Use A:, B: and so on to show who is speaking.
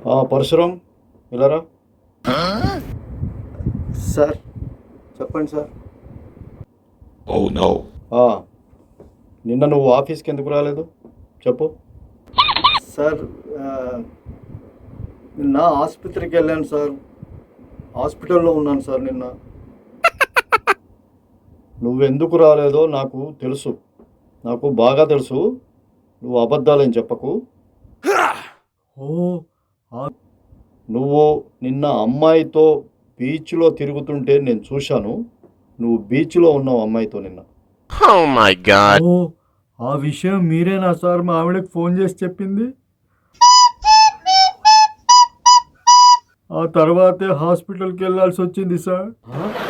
A: పరశురం ఇలారా. సార్ చెప్పండి సార్. నిన్న నువ్వు ఆఫీస్కి ఎందుకు రాలేదు చెప్పు. సార్ నిన్న ఆసుపత్రికి వెళ్ళాను సార్. హాస్పిటల్లో ఉన్నాను సార్ నిన్న. నువ్వెందుకు రాలేదో నాకు తెలుసు, నాకు బాగా తెలుసు. నువ్వు అబద్ధాలని చెప్పకు. నువ్వు నిన్న అమ్మాయితో బీచ్లో తిరుగుతుంటే నేను చూశాను. నువ్వు బీచ్లో ఉన్నావు అమ్మాయితో నిన్న. ఆ విషయం మీరేనా సార్ మా ఆవిడకి ఫోన్ చేసి చెప్పింది? ఆ తర్వాతే హాస్పిటల్కి వెళ్ళాల్సి వచ్చింది సార్.